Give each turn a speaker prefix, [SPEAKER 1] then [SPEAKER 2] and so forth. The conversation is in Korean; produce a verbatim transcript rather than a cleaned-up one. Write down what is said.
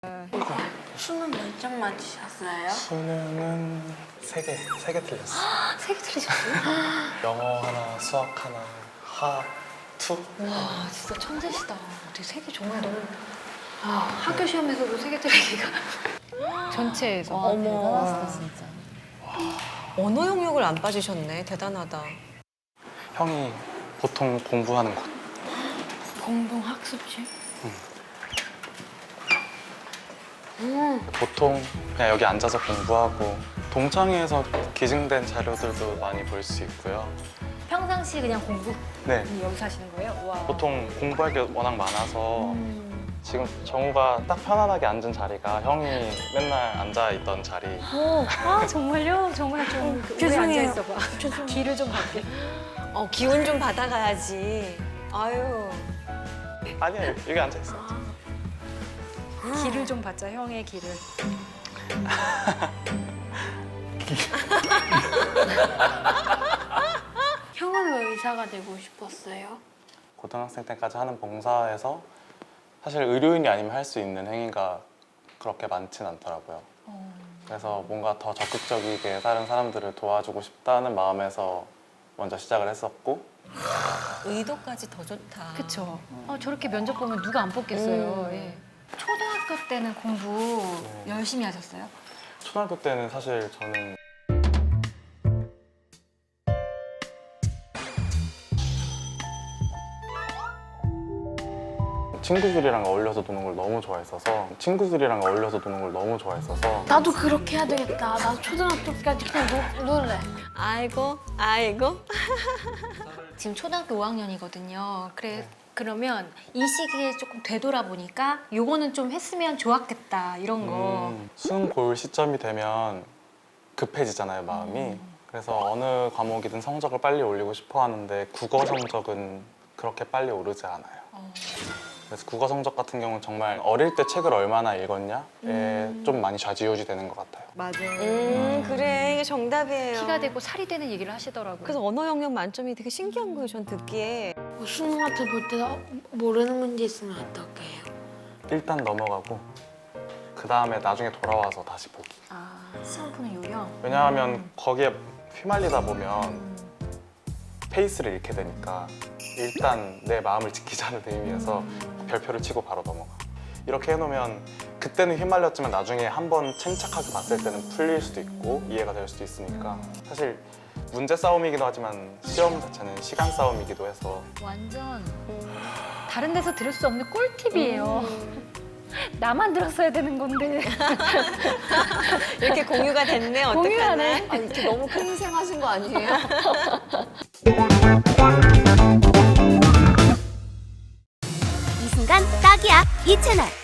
[SPEAKER 1] 수능 몇 점 맞으셨어요?
[SPEAKER 2] 수능은 세 개, 세 개 틀렸어.
[SPEAKER 3] 세 개 틀리셨어요?
[SPEAKER 2] 영어 하나, 수학 하나, 하, 투.
[SPEAKER 3] 와 진짜 천재시다. 어떻게 세 개 정말 너무 아, 학교 시험에서도 세 개 틀리기가 전체에서
[SPEAKER 4] 와,
[SPEAKER 5] 어머.
[SPEAKER 4] 대단하시다 진짜.
[SPEAKER 5] 언어 영역을 안 빠지셨네. 대단하다.
[SPEAKER 2] 형이 보통 공부하는 곳.
[SPEAKER 1] 공동 학습지?
[SPEAKER 2] 보통 그냥 여기 앉아서 공부하고 동창회에서 기증된 자료들도 많이 볼 수 있고요.
[SPEAKER 3] 평상시 그냥 공부
[SPEAKER 2] 네,
[SPEAKER 3] 여기서 하시는 거예요? 와.
[SPEAKER 2] 보통 공부할 게 워낙 많아서 지금 정우가 딱 편안하게 앉은 자리가 형이 맨날 앉아있던 자리.
[SPEAKER 3] 오, 아 정말요? 정말 좀 오래
[SPEAKER 1] 죄송해요.
[SPEAKER 3] 앉아 있어봐. 뒤를 좀 갈게.
[SPEAKER 5] 어, 기운 좀 받아가야지. 아유.
[SPEAKER 2] 아니야, 여기 앉아있어.
[SPEAKER 3] 길을 좀 받자, 형의 길을.
[SPEAKER 1] 형은 왜 의사가 되고 싶었어요?
[SPEAKER 2] 고등학생 때까지 하는 봉사에서 사실 의료인이 아니면 할 수 있는 행위가 그렇게 많진 않더라고요. 그래서 뭔가 더 적극적이게 다른 사람들을 도와주고 싶다는 마음에서 먼저 시작을 했었고,
[SPEAKER 5] 의도까지 더 좋다.
[SPEAKER 3] 그쵸. 어, 저렇게 면접 보면 누가 안 뽑겠어요.
[SPEAKER 5] 음.
[SPEAKER 3] 예. 초등학교 때는 공부
[SPEAKER 2] 네.
[SPEAKER 3] 열심히 하셨어요?
[SPEAKER 2] 초등학교 때는 사실 저는 친구들이랑 어울려서 노는 걸 너무 좋아했어서 친구들이랑 어울려서 노는 걸 너무 좋아했어서
[SPEAKER 1] 나도 그렇게 해야 되겠다. 나도 초등학교까지 그냥 노, 놀래.
[SPEAKER 5] 아이고, 아이고.
[SPEAKER 3] 지금 초등학교 오 학년이거든요. 그래,
[SPEAKER 2] 네.
[SPEAKER 3] 그러면 이 시기에 조금 되돌아보니까 요거는 좀 했으면 좋았겠다, 이런 거.
[SPEAKER 2] 음, 수능 볼 시점이 되면 급해지잖아요, 마음이. 그래서 어느 과목이든 성적을 빨리 올리고 싶어 하는데 국어 성적은 그렇게 빨리 오르지 않아요.
[SPEAKER 3] 어.
[SPEAKER 2] 그래서 국어 성적 같은 경우는 정말 어릴 때 책을 얼마나 읽었냐에
[SPEAKER 3] 음.
[SPEAKER 2] 좀 많이 좌지우지 되는 것 같아요.
[SPEAKER 4] 맞아.
[SPEAKER 5] 음, 그래. 이게 정답이에요.
[SPEAKER 3] 피가 되고 살이 되는 얘기를 하시더라고요.
[SPEAKER 5] 그래서 언어 영역 만점이 되게 신기한 거예요, 전 듣기에.
[SPEAKER 1] 뭐 수능 같은 볼 때 모르는 문제 있으면 어떻게 해요?
[SPEAKER 2] 일단 넘어가고 그 다음에 나중에 돌아와서 다시 보기.
[SPEAKER 3] 아, 시험 푸는 요령?
[SPEAKER 2] 왜냐하면 거기에 휘말리다 보면 페이스를 잃게 되니까 일단 내 마음을 지키자는 의미에서 별표를 치고 바로 넘어가. 이렇게 해놓으면 그때는 휘말렸지만 나중에 한번 침착하게 봤을 때는 풀릴 수도 있고 이해가 될 수도 있으니까 사실 문제 싸움이기도 하지만 시험 자체는 시간 싸움이기도 해서
[SPEAKER 3] 완전 다른 데서 들을 수 없는 꿀팁이에요. 나만 들었어야 되는 건데.
[SPEAKER 5] 이렇게 공유가 됐네, 어떡하나.
[SPEAKER 3] 공유하네.
[SPEAKER 4] 아, 이렇게 너무 큰 희생하신 거 아니에요?
[SPEAKER 6] 이 순간 딱이야 이 채널.